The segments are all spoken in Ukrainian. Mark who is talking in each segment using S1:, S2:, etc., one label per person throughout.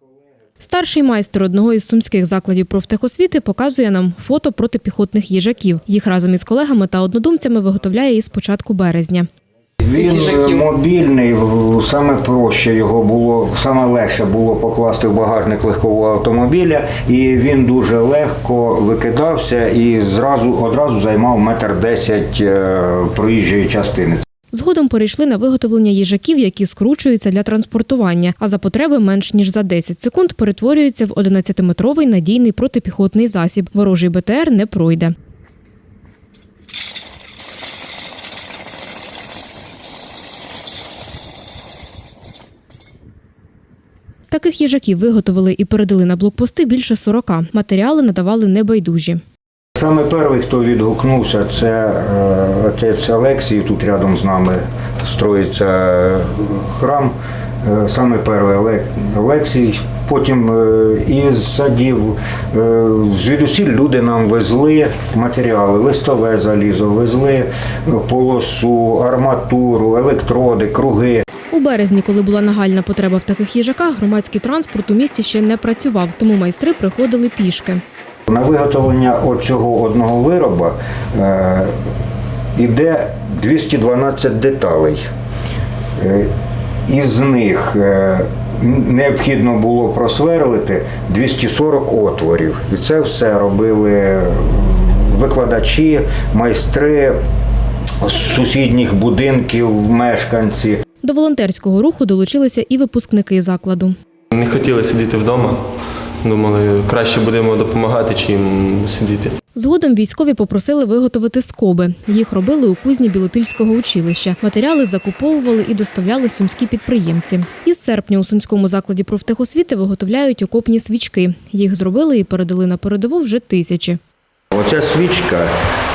S1: Старший майстер одного із сумських закладів профтехосвіти показує нам фото протипіхотних їжаків. Їх разом із колегами та однодумцями виготовляє із початку березня.
S2: Він мобільний, саме проще його було, саме легше було покласти в багажник легкового автомобіля, і він дуже легко викидався і одразу займав 1,10 м проїжджої частини.
S1: Згодом перейшли на виготовлення їжаків, які скручуються для транспортування, а за потреби менш ніж за 10 секунд перетворюються в 11-метровий надійний протипіхотний засіб. Ворожий БТР не пройде. Таких їжаків виготовили і передали на блокпости більше 40. Матеріали надавали небайдужі.
S2: Саме перший, хто відгукнувся, це отець Олексій, тут рядом з нами строїться храм. Саме перший Олексій, потім із садів, звідусіль люди нам везли матеріали, листове залізо, везли полосу, арматуру, електроди, круги.
S1: У березні, коли була нагальна потреба в таких їжаках, громадський транспорт у місті ще не працював, тому майстри приходили пішки.
S2: На виготовлення оцього одного вироба йде 212 деталей. Із них необхідно було просверлити 240 отворів. І це все робили викладачі, майстри з сусідніх будинків, мешканці.
S1: До волонтерського руху долучилися і випускники закладу.
S3: Не хотіли сидіти вдома. Думали, краще будемо допомагати, чим сидіти.
S1: Згодом військові попросили виготовити скоби. Їх робили у кузні Білопільського училища. Матеріали закуповували і доставляли сумські підприємці. Із серпня у сумському закладі профтехосвіти виготовляють окопні свічки. Їх зробили і передали на передову вже тисячі.
S2: Оця свічка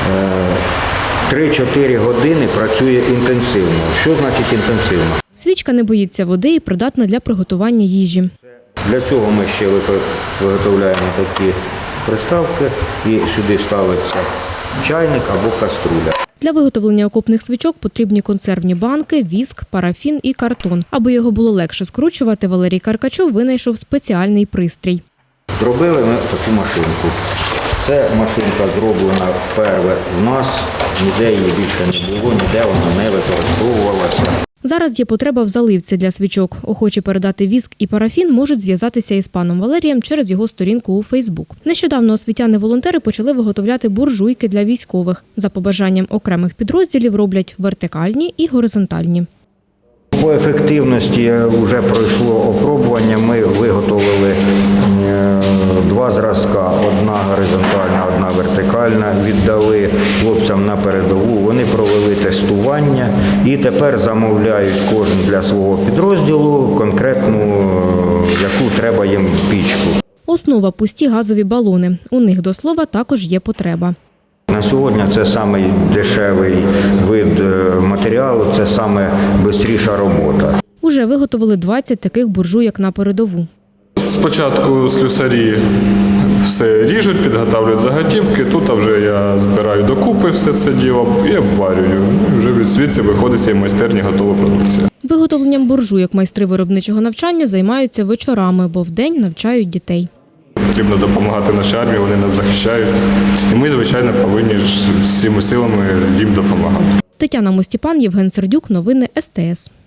S2: 3-4 години працює інтенсивно. Що значить інтенсивно?
S1: Свічка не боїться води і придатна для приготування їжі.
S2: Для цього ми ще виготовляємо такі приставки і сюди ставиться чайник або каструля.
S1: Для виготовлення окопних свічок потрібні консервні банки, віск, парафін і картон. Аби його було легше скручувати, Валерій Каркачов винайшов спеціальний пристрій.
S2: Зробили ми таку машинку. Це машинка зроблена вперше в нас, ніде її більше не було, ніде вона не використовувалася.
S1: Зараз є потреба в заливці для свічок. Охочі передати віск і парафін можуть зв'язатися із паном Валерієм через його сторінку у Фейсбук. Нещодавно освітяни-волонтери почали виготовляти буржуйки для військових. За побажанням окремих підрозділів роблять вертикальні і горизонтальні.
S2: По ефективності вже пройшло опробування. Ми виготовили 2 зразка, одна горизонтальна, одна вертикальна, віддали хлопцям на передову, вони провели тестування і тепер замовляють кожен для свого підрозділу конкретну, яку треба їм пічку.
S1: Основа – пусті газові балони. У них, до слова, також є потреба.
S2: На сьогодні це самий дешевий вид матеріалу, це саме швидша робота.
S1: Уже виготовили 20 таких буржуйок на передову.
S3: Спочатку слюсарі все ріжуть, підготовлюють заготівки. Тут вже я збираю докупи все це діло і обварюю. І вже звідси виходить з майстерні готова продукція.
S1: Виготовленням буржуйок майстри виробничого навчання займаються вечорами, бо вдень навчають дітей.
S3: Потрібно допомагати нашій армії, вони нас захищають. І ми, звичайно, повинні всіми силами їм допомагати.
S1: Тетяна Мостіпан, Євген Сердюк. Новини СТС.